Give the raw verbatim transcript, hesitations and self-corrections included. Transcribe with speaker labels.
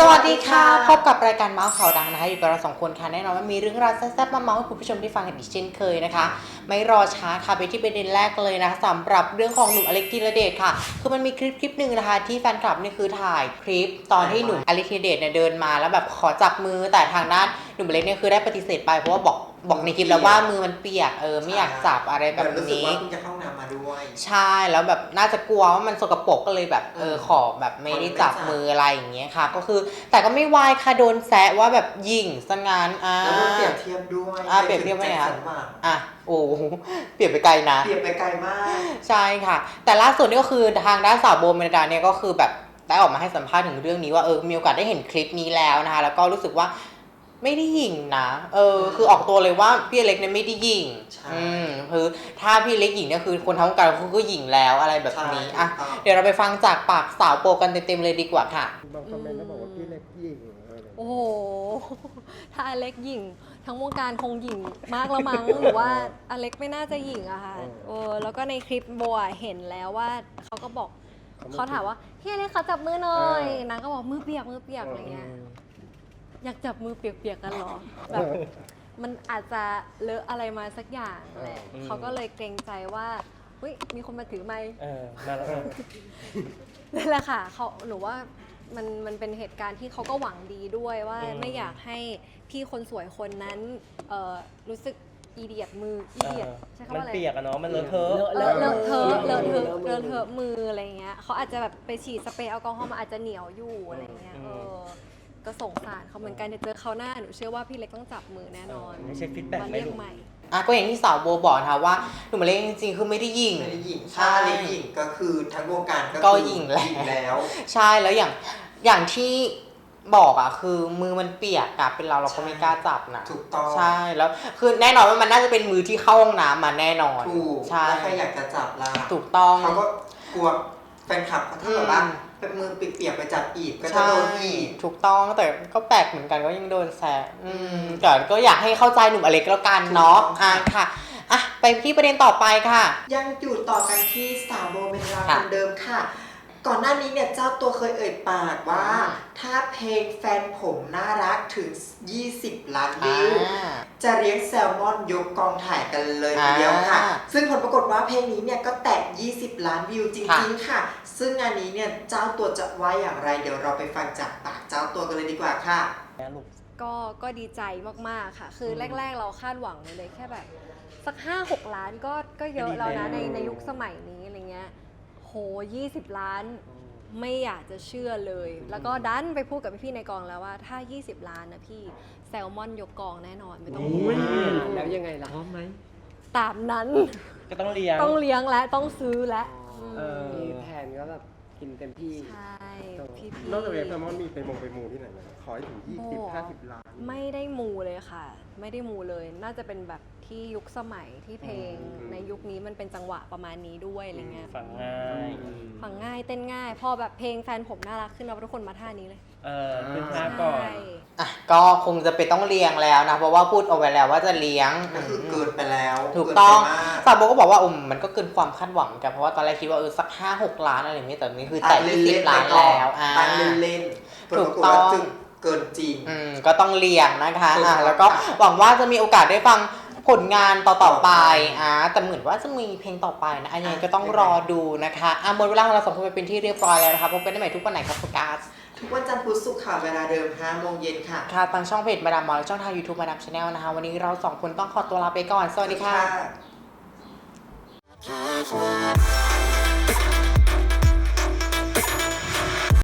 Speaker 1: วัสดีค่ะพบกับรายการเมาส์ข่าวดังนะคะอยู่กับเราสองคนค่ะแน่นอนว่ามีเรื่องราวแซ่บๆมาเมาส์ให้คุณผู้ชมได้ฟังกันอีกเช่นเคยนะคะไม่รอช้าค่ะไปที่ประเด็นแรกเลยนะคะสำหรับเรื่องของหนุ่มอเล็กธีรเดชค่ะคือมันมีคลิปคลิปหนึ่งนะคะที่แฟนคลับนี่คือถ่ายคลิปตอนที่หนุ่มอเล็กธีรเดชเนี่ยเดินมาแล้วแบบขอจับมือแต่ทางด้านหนุ่มอเล็กเนี่ยคือได้ปฏิเสธไปเพราะว่าบอกบอกในคลิปแล้วว่ามือมันเปียกเออไม่อยากจับอะไรแบบนี้รู้สึกว่า
Speaker 2: เพิ่งจะเข้าน้ำมาด้วย
Speaker 1: ใช่แล้วแบบน่าจะกลัวว่ามันสกปรกก็เลยแบบเออขอแบบไม่ได้จับมืออะไรอย่างเงี้ยค่ะก็คือแต่ก็ไม่วายค่ะโดนแซะว่าแบบหยิ่งซะงั้นอ่า
Speaker 2: แล้วก็เปรียบเทียบด้วย
Speaker 1: อ่าเปรียบเทียบไงคะอ่ะโอ้เปรียบไปไกลนะ
Speaker 2: เปรียบไปไกลมาก
Speaker 1: ใช่ค่ะแต่ล่าสุดนี่ก็คือทางด้านสาวโบเมลดาเนี่ยก็คือแบบได้ออกมาให้สัมภาษณ์ถึงเรื่องนี้ว่าเออมีโอกาสได้เห็นคลิปนี้แล้วนะคะแล้วก็รู้สึกว่าไม่ได้หยิ่งนะเออคือออกตัวเลยว่าพี่เล็กเนี่ยไม่ได้หยิ่งอืมคือถ้าพี่เล็กหยิ่งเนี่ยคือคนทั้งวงการเขาก็หยิ่งแล้วอะไรแบบนี้อ่ะเดี๋ยวเราไปฟังจากปากสาวโปกันเต็มๆเลยดีกว่าค่ะ
Speaker 3: บางคอมเมนต์ก็บอกว่าพี่เล็กหยิ่ง
Speaker 4: โอ้โหถ้าอเล็กหยิ่งทั้งวงการคงหยิ่งมากแล้วมั้งหรือว่าอเล็กไม่น่าจะหยิ่งอะค่ะเออแล้วก็ในคลิปโบอะเห็นแล้วว่าเขาก็บอกเขาถามว่าพี่อเล็กขอจับมือหน่อยนางก็บอกมือเปียกมือเปียกอะไรเงี้ยอยากจับมือเปียกๆกันหรอแบบมันอาจจะเลอะอะไรมาสักอย่างแหละเขาก็เลยเกรงใจว่าเฮ้ยมีคนมาถือไมค์
Speaker 3: มาแล้ว
Speaker 4: นั่นแหละค่ะเขาหนูว่ามันมันเป็นเหตุการณ์ที่เขาก็หวังดีด้วยว่าไม่อยากให้พี่คนสวยคนนั้นเอ่อรู้สึกอีเดียดมืออีเดียดใช่คำว่าอะไร
Speaker 3: มันเปียกอะเนาะมันเลอะเทอะ
Speaker 4: เลอะเลอะเทอะเลอะเทอะเลอะเทอะมืออะไรเงี้ยเขาอาจจะแบบไปฉีดสเปรย์แอลกอฮอล์มาอาจจะเหนียวอยู่อะไรเงี้ยเออก็สงสารเขาเหมือนกันจะเจอเขาหน้าหนูเชื่อว่าพี่เล็กต้องจับมือแน่นอน
Speaker 3: ไม่ใช่ฟีดแบ็กไม่รู้
Speaker 1: อ่ะก็อย่างที่สาวโบบอกนะคะว่าหนุ่มอเล็กจริงๆคือไม่ได้หยิ่ง
Speaker 2: ไม่ได้หยิ่งถ้าเล็กหยิ่งก็คือทั้งวงการ
Speaker 1: ก็หยิ่งแล้วใช่แล้วอย่างอย่างที่บอกอ่ะคือมือมันเปียกอะเป็นเราเราก็ไม่กล้าจับนะ
Speaker 2: ถูกต้อง
Speaker 1: ใช่แล้วคือแน่นอนว่ามันน่าจะเป็นมือที่เข้าห้องน้ำมาแน่นอน
Speaker 2: ถูก
Speaker 1: ใช่
Speaker 2: แล้วใครอยากจะจับล่ะ
Speaker 1: ถูกต้อง
Speaker 2: เขาก็กลัวแฟนคลับเขาถ้าแบบว่าเป็นมือเปียกๆไปจับอีกก็จะโดนอีก
Speaker 1: ถูกต้องแต่ก็แปลกเหมือนกันก็ยังโดนแซะอืมแต่ก็อยากให้เข้าใจหนุ่มอเล็กแล้วกันเนาะอ่ะค่ะอ่ะไปที่ประเด็นต่อไปค่ะ
Speaker 2: ยังอยู่ต่อกันที่สาวโบเมลดาคนเดิมค่ะก่อนหน้านี้เนี่ยเจ้าตัวเคยเอ่ยปากว่าถ้าเพลงแฟนผมน่ารักถึงยี่สิบล้านวิวจะเลี้ยงแซลมอนยกกองถ่ายกันเลยทีเดียวค่ะซึ่งผลปรากฏว่าเพลงนี้เนี่ยก็แตะยี่สิบล้านวิวจริงๆค่ะซึ่งงานนี้เนี่ยเจ้าตัวจะว่าอย่างไรเดี๋ยวเราไปฟังจากปากเจ้าตัวกันเลยดีกว่าค่ะ
Speaker 4: ก็ก็ดีใจมากๆค่ะคือแรกๆเราคาดหวังเลยแค่แบบสัก ห้าหก ล้านก็ก็เยอะแล้วนะในในยุคสมัยนี้อะไรเงี้ยโหยี่สิบล้านไม่อยากจะเชื่อเลยแล้วก็ดันไปพูดกับพี่ๆในกองแล้วว่าถ้ายี่สิบล้านนะพี่แซลมอนยกกองแน่นอนไม่ต้องห่วง
Speaker 3: แล้วยังไงล่ะพร้อมไหม
Speaker 4: ตามนั้น
Speaker 3: ก็ต้องเลี้ยง
Speaker 4: ต้องเลี้ยงและต้องซื้อและ
Speaker 3: มีแผนก็แบบกินเต็มที่
Speaker 4: ใช่พี่
Speaker 3: ๆนอกจากแซลมอนมีไปมงไปมูที่ไหนไหมขอให้ถึงยี่สิบ ห้าสิบล้าน
Speaker 4: ไม่ได้มูเลยค่ะไม่ได้มูเลยน่าจะเป็นแบบที่ยุคสมัยที่เพลงในยุคนี้มันเป็นจังหวะประมาณนี้ด้วยอะไรเงี้ย
Speaker 3: ฟังง่าย
Speaker 4: ฟังง่ายเต้นง่ายพอแบบเพลงแฟนผมน่ารักขึ้นแล้วทุกคนมาท่านี้เลย
Speaker 3: เออขึ้นท่าก่อน
Speaker 1: อ่ะก็คงจะไปต้องเลี้ยงแล้วนะเพราะว่าพูดเอาไว้แล้วว่าจะเลี้ยง
Speaker 2: ก็คือเกินไปแล้ว
Speaker 1: ถูกต้องสาวโบก็บอกว่าอืมมันก็เกินความคาดหวังกันเพราะว่าตอนแรกคิดว่าเออสักห้าหกล้านอะไรอย่างนี้แต่นี่คือแต่ยี่สิบล้านแล้ว
Speaker 2: อ่าเล่นๆ
Speaker 1: ถูกต้อง
Speaker 2: เกินจริง
Speaker 1: อืมก็ต้องเลี้ยงนะคะอ่ะแล้วก็หวังว่าจะมีโอกาสได้ฟังผลงานต่อๆไปอ่ะแต่เหมือนว่าจะมีเพลงต่อไปนะอันนี้ก็ต้องรอดูนะคะอ่ะหมดเวลาของเราสองคนไปเป็นที่เรียบร้อยแล้วนะคะพบกันได้ใหม่ทุกวันไหนครับโฟกัส
Speaker 2: ทุกวันจันทร์พุธศุกร์ค่ะเวลาเดิมห้าโมงเย็นค่ะ
Speaker 1: ค่ะทางช่องเพจมาดามมอลและช่องทาง YouTube มาดามชาแนลนะคะวันนี้เราสองคนต้องขอตัวลาไปก่อนสวัสดีค่ะ